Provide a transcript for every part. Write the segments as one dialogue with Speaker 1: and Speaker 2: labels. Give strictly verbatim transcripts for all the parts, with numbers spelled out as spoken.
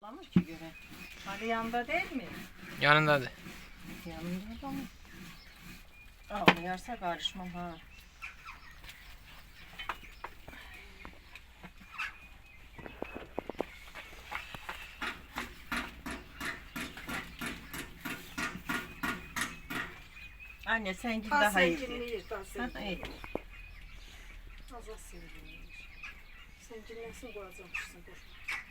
Speaker 1: Toplanır ki göre. Ali yanında değil mi?
Speaker 2: Yanındadır.
Speaker 1: Yanında da mı? Ağlayarsa karışmam ha. Anne sen git daha iyi.
Speaker 3: Daha
Speaker 1: iyi.
Speaker 3: Az az sevgiliymiş. Sen dinlensin koyacakmışsın. Dur.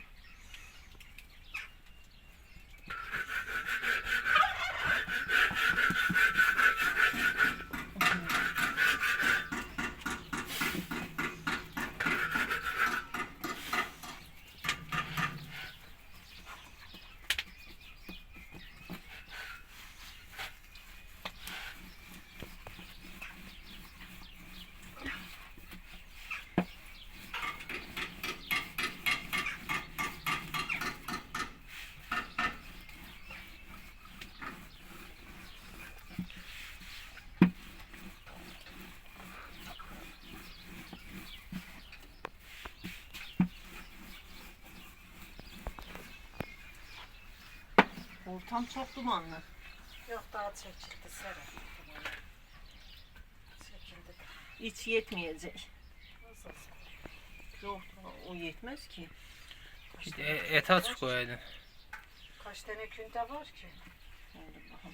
Speaker 1: Ortam çok dumanlı.
Speaker 3: Yok daha çekildi Serap. Çekildi.
Speaker 1: Hiç yetmeyecek.
Speaker 3: Nasıl?
Speaker 1: Yok o yetmez ki.
Speaker 2: İşte e- et aç koyaydın.
Speaker 3: Kaç tane künte var ki?
Speaker 1: Hadi bakalım.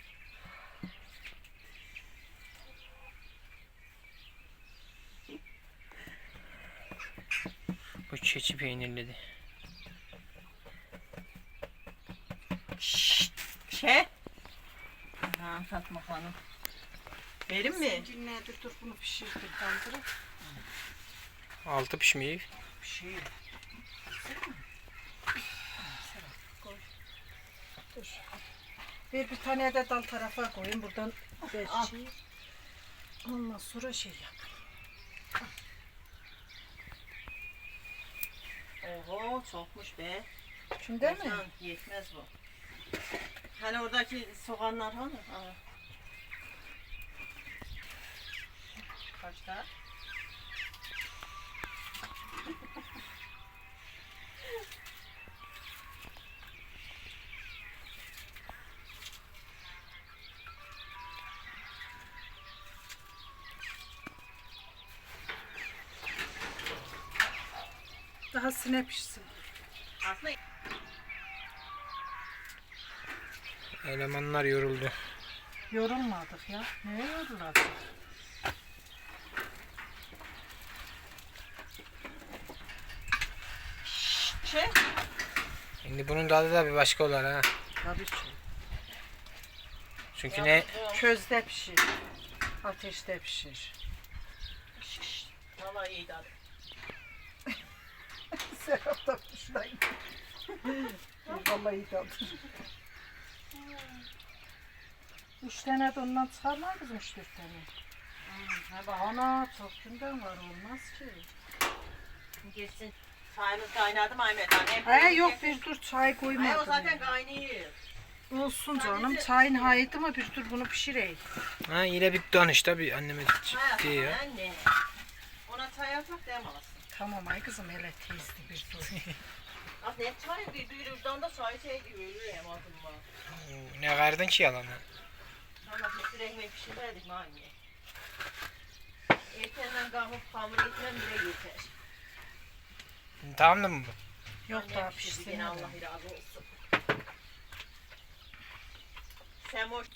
Speaker 2: Bu keçi peynirledi.
Speaker 1: Şşt. Şey. Ha Fatma Hanım. Verin mi?
Speaker 3: Dinle dur dur bunu pişirdik kaldırıp.
Speaker 2: Altı pişmeyi.
Speaker 1: Şey.
Speaker 3: Dur. Bir bir tane de dal tarafa koyayım buradan belki. Ondan sonra şey yap.
Speaker 1: Oho çokmuş be.
Speaker 3: Şimdi mi?
Speaker 1: Can, yetmez bu. Hani oradaki soğanlar hani? Aa. Kaçta?
Speaker 3: Daha sine pişsin.
Speaker 1: Aslında
Speaker 2: Elemanlar yoruldu.
Speaker 3: Yorulmadık ya. Neye yorulacak?
Speaker 1: şey.
Speaker 2: Şimdi bunun tadı da bir başka olur ha.
Speaker 3: Tabii ki.
Speaker 2: Çünkü ne?
Speaker 3: Közde pişir. Ateşte pişir.
Speaker 1: Vallahi iyi tadı.
Speaker 3: Serap da kuşlayın. Vallahi iyi kaldır. Üç tane de ondan çıkarlar kızım, üç dört tane.
Speaker 1: Ha bak.
Speaker 3: Ana çok günden var, olmaz ki.
Speaker 1: Geçsin. Çayımız kaynadı mı Ahmet anne?
Speaker 3: He yok bir dur çay
Speaker 1: Hayır
Speaker 3: koymadım.
Speaker 1: o zaten
Speaker 3: yani.
Speaker 1: kaynıyor.
Speaker 3: Olsun canım,
Speaker 1: Sadece-
Speaker 3: çayın haydi mı bir dur bunu pişireyim.
Speaker 2: Ha yine bir danış tabi anneme
Speaker 1: Hayat
Speaker 2: diyor.
Speaker 1: anne. Ona çay yapmak dememesin.
Speaker 3: Tamam ay kızım, hele teyzdi bir dur.
Speaker 1: Aslında hep çay bir bir ucundan da çay şey gibi ölür hem adımla.
Speaker 2: Ne verdin ki yalanı?
Speaker 1: Ama bir sürü ekmek pişirmedik mi anne? Erkenden kalkıp hamur etmem bile yeter.
Speaker 2: Tamam da mı bu?
Speaker 3: Yok
Speaker 1: Annem
Speaker 3: daha
Speaker 1: pişirdi
Speaker 3: pişsin.
Speaker 1: gene, Allah razı olsun. Semoç.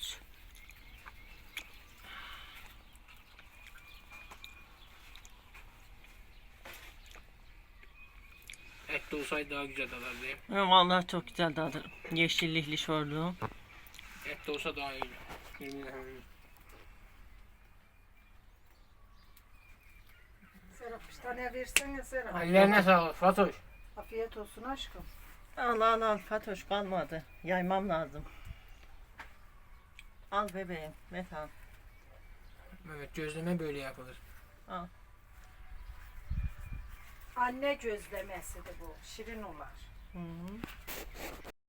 Speaker 2: Et de olsaydı daha güzel tadardı.
Speaker 1: Ya vallahi çok güzel tadı. Yeşillikli şorlu.
Speaker 2: Et de olsa daha iyi.
Speaker 3: Serap bir tane versene Serap.
Speaker 2: Ellerine sağlık Fatoş.
Speaker 3: Afiyet olsun aşkım.
Speaker 1: Allah Allah Fatoş kalmadı. Yaymam lazım. Al bebeğim. Metan.
Speaker 2: Evet gözleme böyle yapılır.
Speaker 1: Al.
Speaker 3: Anne gözlemesidir bu. Şirin olar.
Speaker 1: Hı -hı.